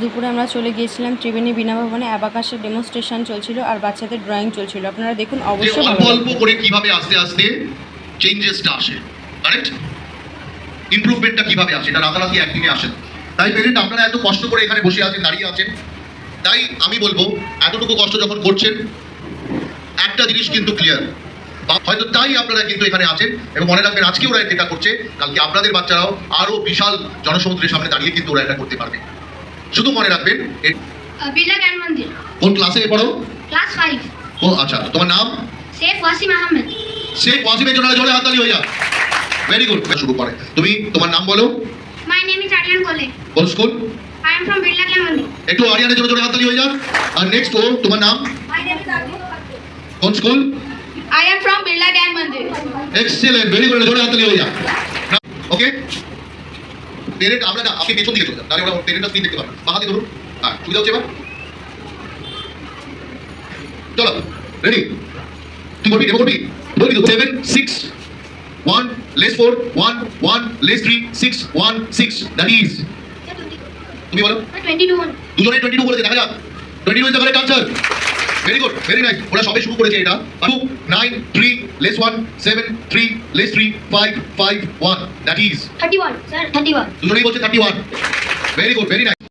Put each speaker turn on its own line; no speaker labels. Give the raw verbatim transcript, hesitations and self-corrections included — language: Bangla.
দুপুরে আমরা চলে গিয়েছিলাম ত্রিবেণী বীণা ভবনে। অ্যাবাকাসের ডেমনস্ট্রেশন চলছিল আর বাচ্চাদের ড্রয়িং চলছিল। আপনারা দেখুন, অবশ্যই
অল্প অল্প করে কিভাবে আস্তে আস্তে চেঞ্জেসটা আসে, কারেক্ট? ইমপ্রুভমেন্টটা কিভাবে আসে, এটা রাতারাতি একদিনে আসে না। তাই পেরেন্ট আপনারা এত কষ্ট করে এখানে বসে আছেন, দাঁড়িয়ে আছেন, তাই আমি বলবো এতটুকু কষ্ট যখন করছেন একটা জিনিস কিন্তু ক্লিয়ার, হয়তো তাই আপনারা কিন্তু এখানে আছেন। এবং মনে রাখবেন, আজকে ওরা এটা করছে, কালকে আপনাদের বাচ্চারাও আরো বিশাল জনসমুদ্রের সামনে দাঁড়িয়ে কিন্তু ওরা এটা করতে পারবে। শুধু মনে রাখবেন,
बिरला ज्ञान मंदिर
কোন ক্লাসে পড়ো?
Class five.
ও আচ্ছা, তোমার নাম?
शेख वासिम अहमद।
শেখ ওয়াসিমের জন্য জোরে হাততালি হয়ে যাক। Very good. শুরু করে তুমি তোমার নাম বলো।
My name is Aryan Kole.
কোন school?
I am from Birla Gyan Mandir.
একটু আরিয়ানের জন্য জোরে হাততালি হয়ে যাক। আর নেক্সট ও তোমার নাম?
My name is Aryan.
কোন school?
I am from Birla Gyan Mandir.
Excellent, very good, জোরে হাততালি হয়ে যাক। ওকে, পেরেন্ট আমরা না আপনি পেছন দিকে চলে যান, তাহলে আমরা পেরেন্টটা স্ক্রিন দেখতে পারবেন। বাঁ হাতে ধরুন। হ্যাঁ, সুবিধা হচ্ছে এবার? চলো, রেডি? তুই বলবি, দেবো করবি? বলবি তো? Seven six one less four one one less three six one six, that is, তুমি বলো।
Twenty two.
দুজনে টোয়েন্টি টু বলেছে, দেখা যাক। Twenty two is the correct answer. Very good, very nice. ওরা সবে শুরু করেছে এটা। Two nine three less one seven three less three five five one, that is
thirty one sir. Thirty one.
দুজনেই বলছে thirty one. Very good, very nice.